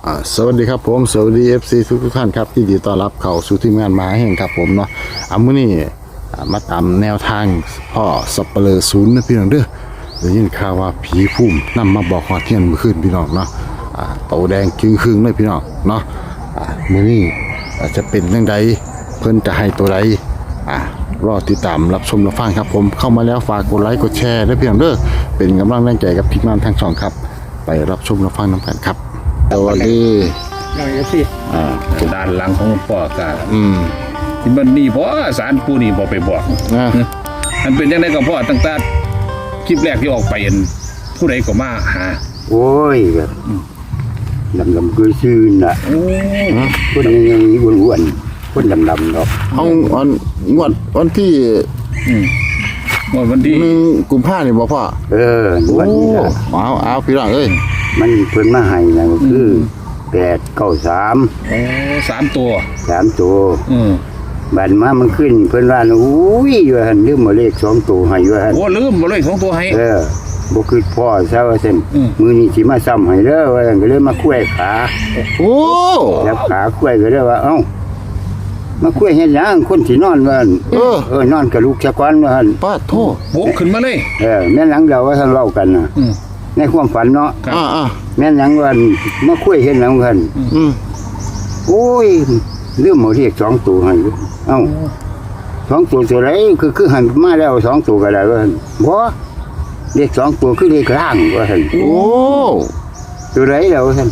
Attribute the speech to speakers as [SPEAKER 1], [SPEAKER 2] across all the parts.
[SPEAKER 1] สวัสดีครับผมสวัสดี FC ทุกท่านครับที่ดีต้อนรับเข้าสู่ทีมงานมาแห่งครับผมเนาะมื้อนี้มาตามแนวทางพ่อสัปเหร่อศูนย์นะพี่น้องเด้อได้ยินข่าวว่าผีพุ่มนำมาบอกฮอดเที่ยงมื้อคืนพี่น้องเนาะโตแดงครึ่งๆเลยพี่น้องเนาะมื้อนี้จะเป็นจังไดเพิ่นจะให้ตัวใดรอติดตามรับชมรับฟังครับผมเข้ามาแล้วฝากกดไลค์กดแชร์ด้วยพี่น้องเด้อเป็นกำลังแรงใจกับทีมงานทั้งสองครับไปรับชมรับฟังนำกันครับสวัสดี
[SPEAKER 2] ด้านหลังของพ่อกาที่มันนี่พ่อสารปูนี่บอกไปบอกมันเป็นยังไงกับพ่อตั้งแต่คลิปแรกที่ออกไปผู้ใดก็มาหา
[SPEAKER 3] โอ้ยแบบดำคือชื่นน่ะคนยังอ้วนๆคนดำๆดอก
[SPEAKER 1] เอาวันที่
[SPEAKER 2] วันที่
[SPEAKER 1] 1 กุมภาพันธ์นี่บอกพ่อ
[SPEAKER 3] วันนี้นะ
[SPEAKER 1] เอาพี่น้องเอ้ย
[SPEAKER 3] มันเพิ่นมาให้นะก็คือ893
[SPEAKER 2] 3 ตัว
[SPEAKER 3] บัดมามันขึ้นเพิ่นว่าอุ้ยว่าหั่นลืมบ่เลข2ตัวให้ว่าหั่น
[SPEAKER 2] โอ้ลืมบ่เลข2ตัวให้
[SPEAKER 3] บ่คือพ่อซะว่าซั่นมื้อนี้สิมาซ้ำให้เด้อว่าซั่นก็เลยมาคุ้ยขาจับขาคุ้ยก็เลยว่าเอ้ามาคุ้ยเฮ็ดหยังคนสินอนว่าหั่นนอนกับลูกซะก่อนว่าหั่น
[SPEAKER 1] ป้าโท
[SPEAKER 2] โบกขึ้นมาเลย
[SPEAKER 3] แม่นหลังเราว่าท่านเว้ากันน่ะในความฝันเนาะแม่นหยังว่ามาคุ้ยเฮ็ดหยังกันโอ้ยลืมเอาเลข2ตัวให้เอ้า2ตัวไรคือหันมาแล้ว2ตัวก็ได้ว่าบ่เลข2ตัวคือเลขล่างว่าซั่น
[SPEAKER 1] โอ้
[SPEAKER 3] ตัวไรแล้วซั่น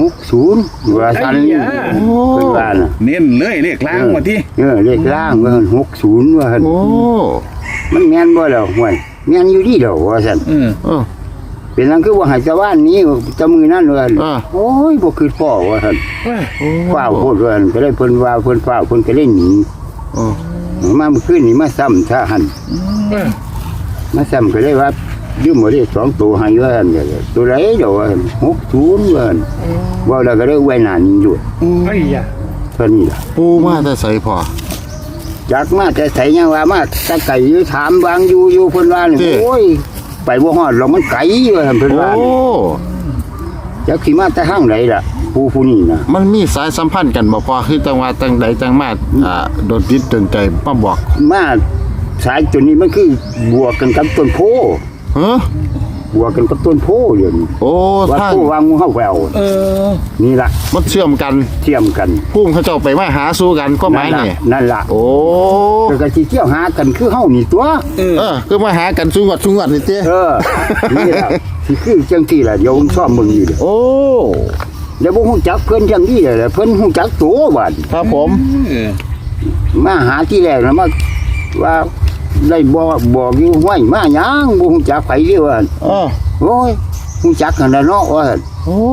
[SPEAKER 3] 60ว่าซั่นเพิ่นว่าน่ะ
[SPEAKER 2] เน้นเลยเลขล่างว่าติ
[SPEAKER 3] เลขล่างว่าซั่น60ว่าซั่น
[SPEAKER 1] โอ้
[SPEAKER 3] มันแม่นบ่แล้วห่วยแม่นอยู่ดีดอกว่าซั่นเป็นนั่นคือว่าให้ชาวบ้านนี้จะมือนั่นเลยโอ้ยบ่คือพ่อว่าซั่นฟ้าวโพดว่าซั่นก็เลยเพิ่นว่าเพิ่นฟ้าวเพิ่นก็เลยหนีมาเมื่อคืนนี้มาซ้ำซะหั่นมาซ้ำก็เลยว่ายืมบ่ได้2ตัวให้ว่าซั่นตัวไหนดอกว่าซั่น60ว่าซั่นว่าแล้วก็เลยไว้หน้านี้อยู่
[SPEAKER 2] ไอ้ยะ
[SPEAKER 3] เท่านี้ล่ะ
[SPEAKER 1] ปูมาแต่ไสพ่อ
[SPEAKER 3] จักมาแต่ไสยังว่ามาแต่ไก่อยู่ถามวางอยู่เพิ่นว่านี่โอ้ยไปบ่ฮอดหรอกมันไกลอยู่หั่นเพิ่นว่าจักสิมาแต่ทางไหนล่ะผู้นี้น่ะ
[SPEAKER 1] มันมีสายสัมพันธ์กันบ่พอคือจังว่าจังใดจังมาโดนจิตโดนใจมาบอก
[SPEAKER 3] มาสายตัวนี้มันคือบวกกันกับต้นโพบวกกันกับต้นโพอยู่นี่
[SPEAKER 1] โอ้
[SPEAKER 3] ทางวางงูเฮาแววนี่ล่ะ
[SPEAKER 1] มันเชื่อมกันพุ่งเขาเจ้าไปมาหาสู้กันก็หมายนี่
[SPEAKER 3] นั่นล่ะ
[SPEAKER 1] โอ้
[SPEAKER 3] ก็สิเที่ยวหากันคือเฮานี่ตัว
[SPEAKER 1] คือมาหากันสู้งัดนี่เต้
[SPEAKER 3] นี่ล่ะสิคือจังซี่ล่ะเดี๋ยวผมชอบมึงอยู่
[SPEAKER 1] โอ้
[SPEAKER 3] แล้วบ่ฮู้จักเพิ่นจังซี่แหละเพิ่นฮู้จักตัวบัด
[SPEAKER 1] ครับผม
[SPEAKER 3] มาหาที่แรกนะมาว่าได้บอกอยู่ห้วยมาหยังบ่ฮู้จักไผเด้อว่าโอ้ยฮู้จักกันแล้วเนาะว่า
[SPEAKER 1] โอ้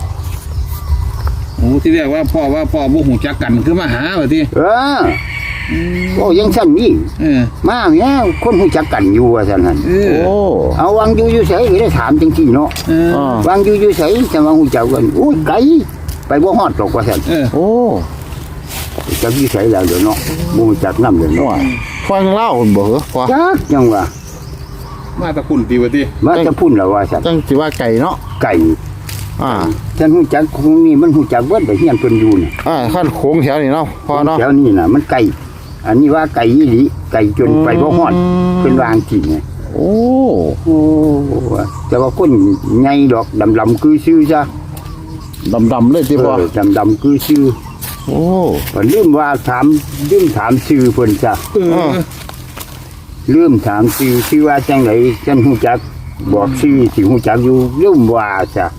[SPEAKER 2] ที่เรียกว่าพ่อบ่ฮู้จักกันคือมาหาว่าติ
[SPEAKER 3] โอ้ยังซั่นนี่มาแม่คนฮู้จักกันอยู่ว่าซั่นหั่น
[SPEAKER 1] โอ้
[SPEAKER 3] เอาวางอยู่ไสก็ได้ถามจังซี่เนาะวางอยู่ไสแต่ว่าฮู้จักกันโอ้ยไกลไปบ่ฮอดหรอกว่าซั่น
[SPEAKER 1] โอ้
[SPEAKER 3] จักอยู่ไสแล้วเดี๋ยวเนาะบ่ฮู้จักนำเด้อเนาะ
[SPEAKER 1] ฟังเล่าบ่เหรอพ่อ
[SPEAKER 3] จักจังว่า
[SPEAKER 2] มาตะพุ่นติว่าติ
[SPEAKER 3] มาตะพุ่นแล้วว่าซั่น
[SPEAKER 1] จังสิว่าไก่เนาะ
[SPEAKER 3] ไก่ฉันฮู้จักคงนี่มันฮู้จักเบิดได้เฮียนเพิ่นอยู่นี่
[SPEAKER 1] คันโค้งแถวนี้เนาะพ่อเนาะ
[SPEAKER 3] แถวนี้น่ะมันไก่อันนี้ว่าไก่อีหลีไก่จนไปบ่ฮอดเพิ่นวางจริงไง
[SPEAKER 1] โอ้
[SPEAKER 3] แต่ว่าคนใหญ่ดอกดำๆคือชื่อซะ
[SPEAKER 1] ดำเลยติพ่อ
[SPEAKER 3] ดำคือชื่อ
[SPEAKER 1] โอ้
[SPEAKER 3] ลืมว่าถามชื่อเพิ่นซะลืมถามชื่อว่าจังไดฉันฮู้จักบอกชื่อสิฮู้จักอยู่ลืมว่าซะ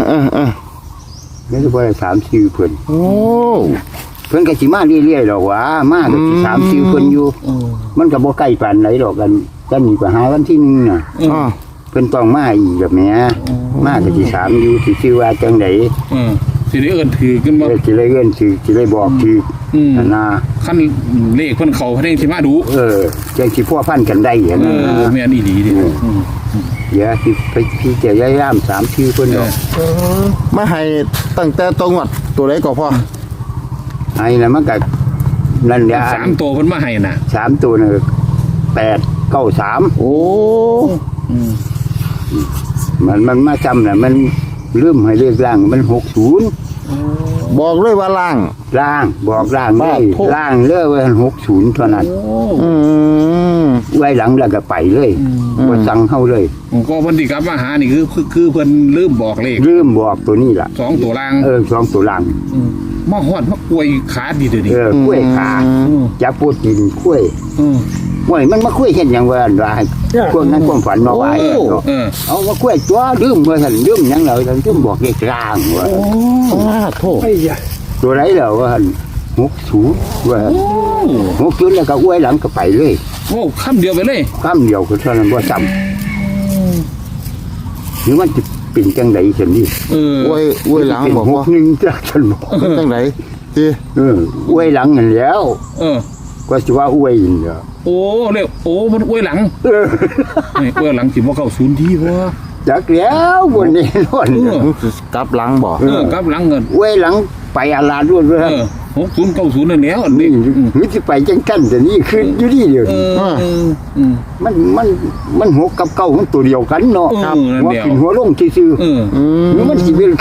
[SPEAKER 3] แล้วก็บ่ได้ถามชื่อเพิ่น
[SPEAKER 1] โอ้
[SPEAKER 3] เพิ่นก็สิมาเรื่อยๆดอกว่ามาก็สิถามชื่อเพิ่นอยู่มันก็บ่ใกล้ปานไหนดอกกันนี่ก็หาวันที่1น่ะเพิ่นต้องมาอีกแบบแหมมาก็สิถามอยู่สิชื่อว่าจังได
[SPEAKER 2] สิได้เอิ้นถือกันบ่
[SPEAKER 3] สิได้เอิ้นถือสิได้บอกถือน่ะ
[SPEAKER 2] คันเลขเพิ่นเข้าเพิ่นสิมาดู
[SPEAKER 3] จังสิพัวพันกันได้อย่างนั้น
[SPEAKER 2] แม่นอีหลีดิ
[SPEAKER 3] เดี๋ยวสิไปพี่จะย้าย3ชื่อเพิ่นดอก
[SPEAKER 1] มาให้ตั้งแต่ตรงวัดตัวใดก็พอ
[SPEAKER 3] ให้น่ะมันก็นั่นแหละ
[SPEAKER 2] 3ตัวเพิ่นมาให้น่ะ
[SPEAKER 3] 3ตัวน่ะ893
[SPEAKER 1] โอ้
[SPEAKER 3] มันมาจำน่ะมันลืมให้เลขล่างมัน60
[SPEAKER 1] บอกเลยว่าล่าง
[SPEAKER 3] ล่างบอกล่างเลย
[SPEAKER 1] โทษ
[SPEAKER 3] ล่างเลยว่า60เท่านั้น
[SPEAKER 1] อืม
[SPEAKER 3] ไว้หลังแล้วก็ไปเลยบ่สั่งเฮาเลย
[SPEAKER 2] ก็เพิ่นที่กลับมาหานี่คือเพิ่นลืมบอกเลข
[SPEAKER 3] ลืมบอกตัวนี้ล่ะ
[SPEAKER 2] 2ตัวล่าง
[SPEAKER 3] 2ตัวล่าง
[SPEAKER 2] มาฮอดมาอวยขาดีเด้อนี่
[SPEAKER 3] กล้วยขาจับปูดินกล้วย
[SPEAKER 2] อืม
[SPEAKER 3] ห่วยมันมาคุยเฮ็ดหยังว่าให้พวกนั้นความฝันมาไว้เนาะ
[SPEAKER 2] เออ
[SPEAKER 3] เอามาคุยตัวดื่มว่าซั่นดื่มหยังแล้วซั่นดื่มบอกเลขกลางว่า
[SPEAKER 1] โทษ
[SPEAKER 3] ตัวไหนแล้วว่าหั่น60ว่า60แล้วก็อวยหลังก็ไปเลย
[SPEAKER 2] โอ้คำเดียวไปเลย
[SPEAKER 3] คำเดียวคือเท่านั้นบ่ซ้ำหรือมันจะเป็นจังได๋ซั่นนี่
[SPEAKER 2] เออ
[SPEAKER 1] อวยหลังบอกว่า
[SPEAKER 3] 61จักซั่นบ่
[SPEAKER 1] จังไหนสิ
[SPEAKER 3] อวยหลังนั่นแล้ว
[SPEAKER 2] เออ
[SPEAKER 3] ก็สิว่าอวยนี่เด้อ
[SPEAKER 2] โอ้เร็วโอ้มันอวยหลังนี่อวยหลังสิบ่เข้าศูนย์ดีบ่
[SPEAKER 3] จักแล้วบ่แน่นอน
[SPEAKER 1] มึงสิกลับหลังบอก
[SPEAKER 2] กลับหลังเงิน
[SPEAKER 3] อวยหลังไปอาลาด้วยว่า
[SPEAKER 2] 60 90นั่นแล้วอัน
[SPEAKER 3] นี่
[SPEAKER 2] นี้
[SPEAKER 3] มันสิไปจังซั่นแต่นี่คืออยู่นี่เดียว มันหกกับเก้ามันตัวเดียวกันเนาะ
[SPEAKER 2] ครับนั่น
[SPEAKER 3] หัว
[SPEAKER 2] เดียว
[SPEAKER 3] ขึ้นหัวลงซื่อ
[SPEAKER 2] เออ
[SPEAKER 3] ๆนี่มันสิเป็น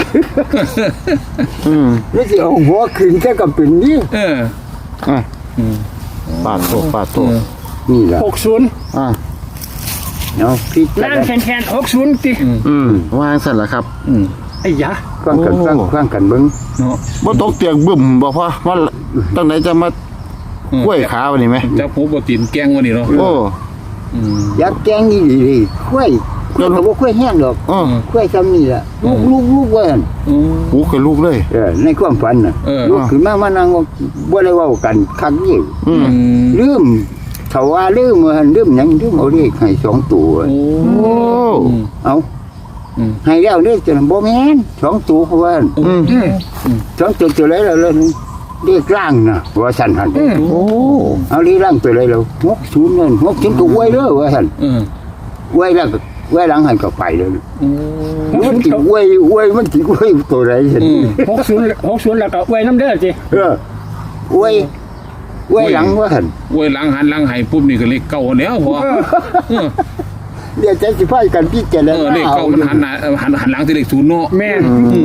[SPEAKER 1] ม
[SPEAKER 3] นี่สิเอาหัวขึ้นแค่กับเป็นนี่
[SPEAKER 2] เออ
[SPEAKER 1] อ่ะปาดโทษปาดโทษ
[SPEAKER 3] นี่แหละ
[SPEAKER 4] 60
[SPEAKER 1] อ่ะ
[SPEAKER 3] เนาะพี่
[SPEAKER 4] ล่างแคน60ติ
[SPEAKER 1] วางสั่นละครับ
[SPEAKER 4] ไอ้ยะ
[SPEAKER 3] ฟังกันฟังกันเบิ่ง
[SPEAKER 2] เนาะ
[SPEAKER 1] บ่ตกเตียงบึ้มบอกว่าตั้งไหนจะมากล้วยขาวันนี้ไหม
[SPEAKER 2] จับหูบ่ตีนแกงวันนี้เนาะ
[SPEAKER 1] โอ้
[SPEAKER 3] อยากแกงนี่ดีๆค่อยก็บ่ค่อยแห้งดอก
[SPEAKER 1] อ๋อ
[SPEAKER 3] ค่อยซ้ำนี่ล่ะลูกว่าหั่น
[SPEAKER 1] หูกับลูกเลย
[SPEAKER 3] ในความฝันน่ะลูกขึ้นมานั่งบ่ได้เว้ากันคักนี่ ลืมเขาว่าลืมมันลืมหยังลืมเอาเลขให้2ตัว
[SPEAKER 2] โอ้
[SPEAKER 1] โอ้
[SPEAKER 3] เอาให้แล้วเลขจะบ่แม่น2ตัวเขาว่า2ตัวไหนแล้วเลขล่างน่ะว่าซั่นหั่น
[SPEAKER 1] โอ้
[SPEAKER 3] เอาเลขล่างตัวไหนแล้ว60นั่น60ก็อวยเด้อว่าซั่นอวยแล้วก็อวยหลังหันก็ไปเลยมันสิอวยมันสิอวยตัวไหนซั่น
[SPEAKER 4] 60แล้วก็ไว้น้ำเด้อติ
[SPEAKER 3] อวยหลังว่าซั่น
[SPEAKER 2] อวยหลังหันหลังให้ปุ๊บนี่ก็เลขเก่าแล้วพอ
[SPEAKER 3] เดี๋ยวจะสิพากันพิจารณา
[SPEAKER 2] เลขเก่ามันหันหน้าหันหลังที่เลขศูนย์เนาะ
[SPEAKER 4] แม่น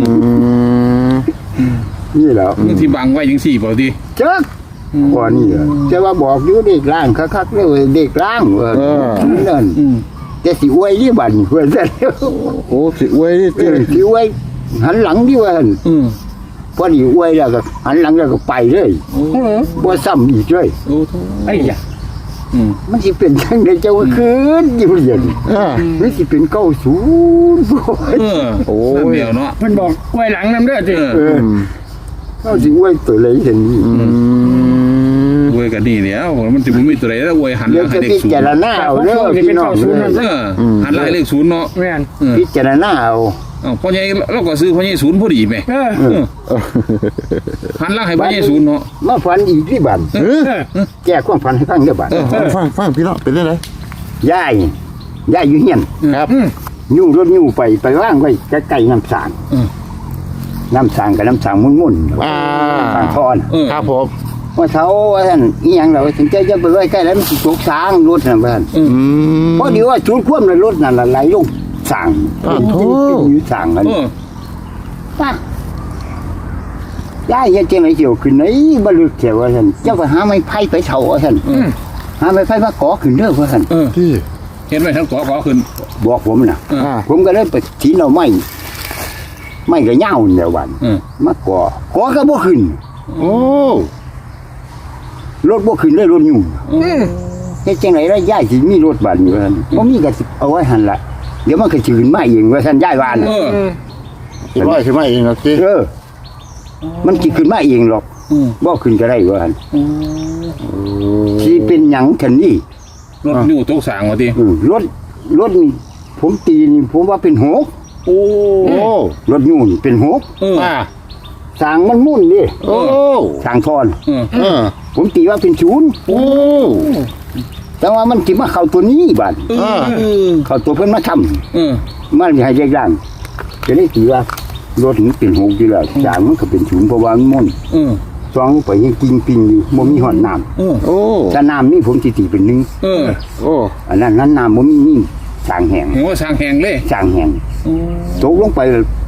[SPEAKER 3] นี่แหละ
[SPEAKER 2] มันที่บังไว้จังซี่บ่ติ
[SPEAKER 3] จักว่านี่เหรอจะว่าบอกอยู่เด็กล่างคักๆเลยเด็กล่างว่านั่นจะสิอวยนี่บัดเพิ่นซะ
[SPEAKER 1] โอ้สิอวยนี่ติ
[SPEAKER 3] สิอวยหันหลังดิว่าหั่นพอดีอวยแล้วก็หันหลังแล้วก็ไปเลยบ่ซ้ำอีกเลย
[SPEAKER 2] โอ้
[SPEAKER 4] ไอ้ยะ
[SPEAKER 3] มันสิเป็นจังได๋เจ้าว่าคืนอยู่เรียน มันสิเป็น90บ่
[SPEAKER 2] โอ้เดียวเนาะ
[SPEAKER 4] เพิ่นบอกไว้หลังน้ำเด้อติ
[SPEAKER 3] เฮาสิอวยตัวไหนเห็นนี่
[SPEAKER 2] อวยกันนี่แล้วมันสิบ่มีตัวใดแล้วอวยหันห
[SPEAKER 3] เดี๋
[SPEAKER 2] ลั
[SPEAKER 3] ยว
[SPEAKER 2] งให้
[SPEAKER 3] จะ
[SPEAKER 2] เล
[SPEAKER 3] พิ
[SPEAKER 2] ขศูน
[SPEAKER 3] จาร
[SPEAKER 2] ย์
[SPEAKER 3] ณาเอาเด้อพี่น้อง
[SPEAKER 2] หันหลังให้เลขศูนย์เนาะ
[SPEAKER 4] แม่น
[SPEAKER 3] พิจารณาเอา
[SPEAKER 2] พ่อใหญ่เราก็ซื้อพ่อใหญ่ศูนย์พอดีแม่หันหลังให้พ่อใหญ่ศูนย์เนาะ
[SPEAKER 3] มาฝันอีกที่บัดแก้ความฝันให้ฟังเด้อบัด
[SPEAKER 1] ฟังพี่น้องเป็นได้ไหน
[SPEAKER 3] ยายอยู่เฮียน
[SPEAKER 1] ครับ
[SPEAKER 3] ยุ่งรถยุ่งไปว่างไว้ใกล้ๆน้ำสางน้ำสางกับน้ำสางมุ่นๆทางทอน
[SPEAKER 1] ครับผม
[SPEAKER 3] ว่าเขาว่าท่านอีหยังเราถึงใจจะไปไว้ใกล้แล้วมันสิตกสางรถนั่นบ้านเพราะเดี๋ยวว่าชุดคว่ำในรถนั่นละไหลลงสางอยู่สางกันป้ายายยังเจงไรเกี่ยวขึ้นไหนบลึกเกี่ยวว่าท่านเจ้าก็หาไม้ไผ่ไปเฉาว่าท่านหาไม้ไผ่มาก่อขึ้นเด้อว่าท่าน
[SPEAKER 1] ที่
[SPEAKER 2] เห็นไหมทั้งขอขึ้น
[SPEAKER 3] บอกผมนะผมก็เลยไปถีนเอาไม้ก็เหย้าเดียววันมาก่อก็บ่ขึ้น
[SPEAKER 1] โอ้
[SPEAKER 3] รถบ่ขึ้นเลยรถยุ่งเฮ็ดจังได๋ล่ะยายสิมีรถบัดนี้ว่าซั่นบ่มีก็สิเอาไว้หั่นล่ะเดี๋ยวมันก็สิขึ้นมาเองว่าซั่นยายว่าน่ะ
[SPEAKER 1] สิร้อยใช่ไหมเองครับที่
[SPEAKER 3] มันสิขึ้นมาเองหรอกบ่ขึ้นก็ได้ว่าหั่นสิเป็นหยังคั่นนี่
[SPEAKER 2] รถอยู่ตกสางว่าติ
[SPEAKER 3] รถนี่ผมตีนี่ผมว่าเป็น6
[SPEAKER 2] โอ้
[SPEAKER 1] โอ้
[SPEAKER 3] รถยุ่งนี่เป็น6สร้างมันมุ่นดิ
[SPEAKER 1] โอ้
[SPEAKER 3] สร้างทอน ผมตีว่าเป็น0
[SPEAKER 1] โอ้
[SPEAKER 3] แต่ว่ามันสิมาเข้าตัวนี้บัดเข้าตัวเพิ่นมาทำมันให้เรียกร่างจะได้ตีว่ารถมันเป็น6อยู่แล้วสร้างมันก็เป็น0เพราะว่ามันมุ่นซองไปยังกินปิงอยู่บ่มีหอดน้ำ
[SPEAKER 1] โอ้
[SPEAKER 3] ถ้าน้ำนี่ผมสิตีเป็น1
[SPEAKER 1] โอ้
[SPEAKER 3] อันนั้นน้ำบ่มีนี่สร้างแห้ง
[SPEAKER 2] หัวสางแหงเลย
[SPEAKER 3] สร้างแห้งตกลงไป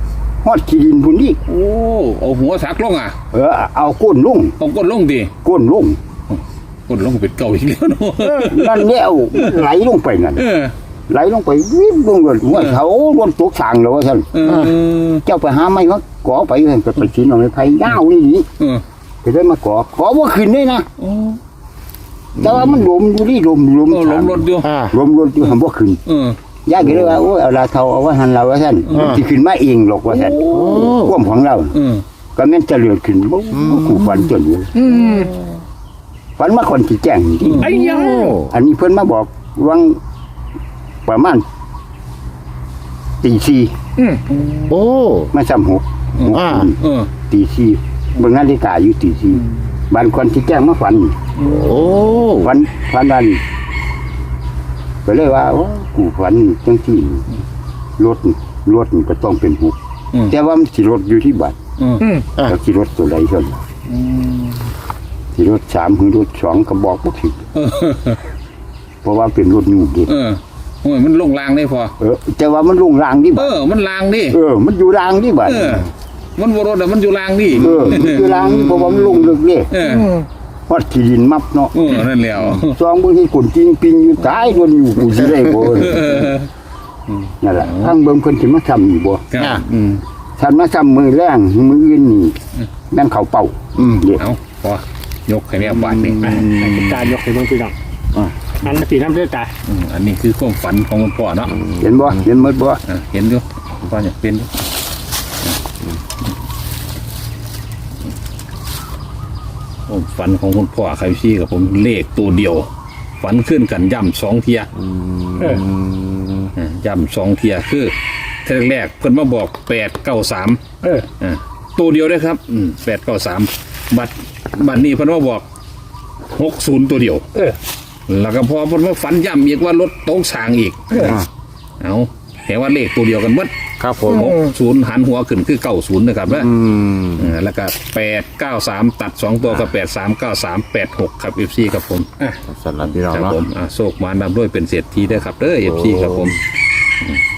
[SPEAKER 3] ฮอดขี้ดินพุ่นนี่
[SPEAKER 2] โอ้เอาหัวสักลงอ่ะ
[SPEAKER 3] เอาก้นลง
[SPEAKER 2] เอาก้นลงดิ
[SPEAKER 3] ก้นลง
[SPEAKER 2] ก้นลงเป็นเก่าอีกแล้วเนาะ
[SPEAKER 3] นั่นแล้วไหลลงไปนั่น
[SPEAKER 2] เออ
[SPEAKER 3] ไหลลงไปวิ่งลงเลยว่าเขาโดนตกสางแล้วว่าท่าน
[SPEAKER 2] เออ
[SPEAKER 3] เจ้าไปหาไม้มาก่อไปเห็นไปกินเอาในไผ่ยาวนี่นี่
[SPEAKER 2] เออ
[SPEAKER 3] ไปได้มาก่อว่าขึ้นได้นะ
[SPEAKER 2] โอ้
[SPEAKER 3] แต่ว่ามันลมอยู่นี่ลม
[SPEAKER 2] เออลมรถอยู่
[SPEAKER 3] ลมอยู่ทำว่าขึ้น
[SPEAKER 2] เออ
[SPEAKER 3] ยากเลยว่าโอ้เอาลาเทาเอาไว้หันเราว่าท่านที่ขึ้นมาเองหรอกว่าท่านร่วมของเรา
[SPEAKER 2] เออ
[SPEAKER 3] ก็แม่นจะเลือดขึ้นบ่กูฝันจนอยู่ฝันมาคนที่แจ้งนี่
[SPEAKER 4] ไอ้ยา
[SPEAKER 3] อันนี้เพิ่นมาบอกวังประมาณตีสี่
[SPEAKER 1] โอ้
[SPEAKER 3] มาซ้ำหก
[SPEAKER 2] เออ
[SPEAKER 3] ตีสี่เบิ่งนาฬิกาอยู่ตีสี่บานคนที่แจ้งมาฝัน
[SPEAKER 1] โอ้
[SPEAKER 3] ฝันนั้นก็เลยว่าโอ้กูฝันจังที่รถนี่ก็ต้องเป็นหกแต่ว่ามันสิรถอยู่ที่บัตร แล้วสิรถตัวใดเท่านั้นสิรถ3หรือรถ2ก็บอกบ่ผิดเพราะว่าเป็นรถยูเด็ก
[SPEAKER 2] เออโอ้ยมันลงรางได้พอ
[SPEAKER 3] แต่ว่ามันลงรางนี่บัด
[SPEAKER 2] มันรางดิ
[SPEAKER 3] มันอยู่รางนี่บัด
[SPEAKER 2] มันบ่รถมันอยู่รางดิ
[SPEAKER 3] มันอยู่รางนี่เพราะว่ามันลงลึกเด้
[SPEAKER 2] เออ
[SPEAKER 3] ฮอดที่ดินมับเนาะ
[SPEAKER 2] นั่นแล้ว
[SPEAKER 3] ซองบางทีคนจริงปิงอยู่ตายโดนอยู่กูสิได้บ่นั่นแหละทางเบิ่งเพิ่นสิมาทำอยู่บ่
[SPEAKER 2] ครับ
[SPEAKER 3] ท่านมาทำมือแรงมืออื่นนี่แม่นเขาเป่าเด็ก
[SPEAKER 2] เอาพอยกให้แม่บาทนี่
[SPEAKER 4] ตายกให้เบิ่งพี่น้องอันนั้นตีน้ำเด้อตา
[SPEAKER 2] อันนี้คือความฝันของคุณพ่อเนาะ
[SPEAKER 3] เห็นบ่เห็นหมดบ่
[SPEAKER 2] เห็นอยู่คุณพ่ออยากเป็นอยู่ผมฝันของคุณพ่อใครพี่กับผมเลขตัวเดียว ฝันขึ้นกันย่ำ2 เทียย่ำ2 เทียคือเทอแรกเพิ่นมาบอก893ตัวเดียวได้ครับ893บัดนี้เพิ่นมาบอก60ตัวเดียวแล้วก็พอเพิ่นมาฝันย่ำอีกว่ารถตกสางอีกเอาเห็นว่าเลขตัวเดียวกันหมด
[SPEAKER 1] ครับผม
[SPEAKER 2] 60หันหัวขึ้นคือ90นะครับแล้วก็893ตัด2ตัวก็839386ครับ FC ครับผม
[SPEAKER 1] สำหรับพี่น้อง
[SPEAKER 2] ครับ
[SPEAKER 1] เนาะ
[SPEAKER 2] ผมโชคมานำด้วยเป็นเศรษฐีด้วยครับเด้อ FC ครับผม